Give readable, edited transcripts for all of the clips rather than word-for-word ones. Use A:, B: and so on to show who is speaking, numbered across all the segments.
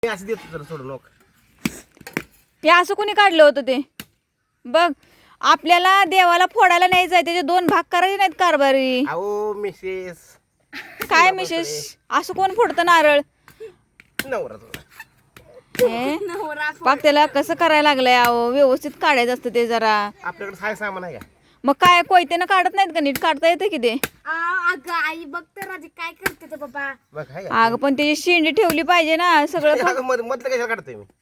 A: मी असं देतो जरा सोडून लोक.
B: ते असं कोणी काढलं होतं ते बघ. आपल्याला देवाला फोडायला नाही जाय, त्याचे 2 भाग करायचे नाहीत कारभारी.
A: अहो मिसेस
B: काय मिशेष असं कोण फोडतं नारळ?
A: नवरा तुला.
B: हे? पाक त्याला कसं करायला लागलंय अहो, व्यवस्थित काढायचं असतं ते जरा.
A: आपल्याकडे काय सामान आहे का?
B: मग काय कोयत्यानं काढत नाहीत का नीट? काढता येतं की ते.
C: अगं आई बघ तर आधी काय करते ते बाबा.
A: बघ आहे का?
B: अगं पण त्याची शेंडी ठेवली पाहिजे ना सगळं.
A: अगं मधलं कशाला काढतोय मी?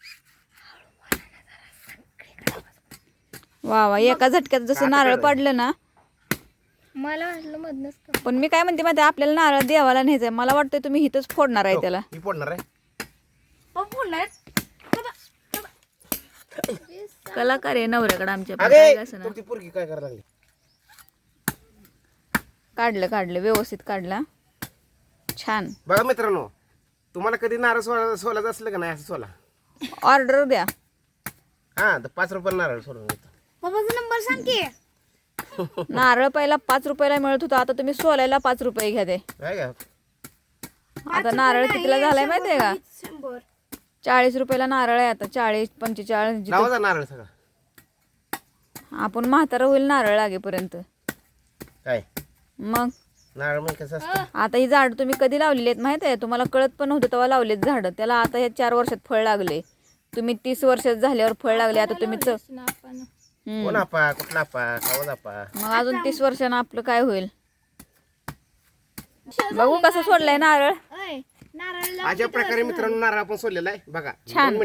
B: वा वा, एका झटक्यात जसं नारळ पडलं ना.
C: मला वाटलं मधनच कर.
B: पण मी काय म्हणते माहिती, आपल्याला नारळ देवाला न्यायचंय. मला वाटतंय तुम्ही इथंच फोडणार आहे त्याला.
A: मी फोडणार आहे.
B: कलाकार आहे नवऱ्याकडे आमच्या पण
A: अगे
B: काय असं ना.
A: तुमची पोरगी काय करायला लागली?
B: काढलं व्यवस्थित काढला. छान.
A: बघा मित्रांनो, तुम्हाला कधी नारळ सोलायचं असलं का नाही असं सोला.
B: ऑर्डर द्या.
A: हा तर 5 रुपये नारळ सोडून देतो.
C: बाबाचा नंबर सांग की.
B: नारळ पहिला 5 रुपयाला मिळत होता, आता तुम्ही सोलायला 5 रुपये घ्या ते.
A: काय का?
B: आता नारळ कितीला झालाय माहितीये का?
C: 100.
B: 40 रुपयाला नारळ आहे आता. 40 45.
A: लावा नारळ सगळा.
B: आपण म्हातारा होईल नारळ लागेपर्यंत.
A: काय
B: मग
A: नारळ मग कसं असतं?
B: आता ही झाड तुम्ही कधी लावलेली आहेत माहित आहे? तुम्हाला कळत पण नव्हतं तेव्हा लावलेत झाड. त्याला आता ह्या 4 वर्षात फळ लागले. तुम्ही 30 वर्षात झाल्यावर फळ लागले. आता तुम्ही
A: कोण आपा कुठला आपा कावज आपा.
B: मग अजून 30 वर्षानं आपलं काय होईल? बघू कसं सोडलंय नारळ.
C: नारळ
A: अशा प्रकारे मित्रांनो नारळ आपण सोडलेला आहे बघा.
B: छान.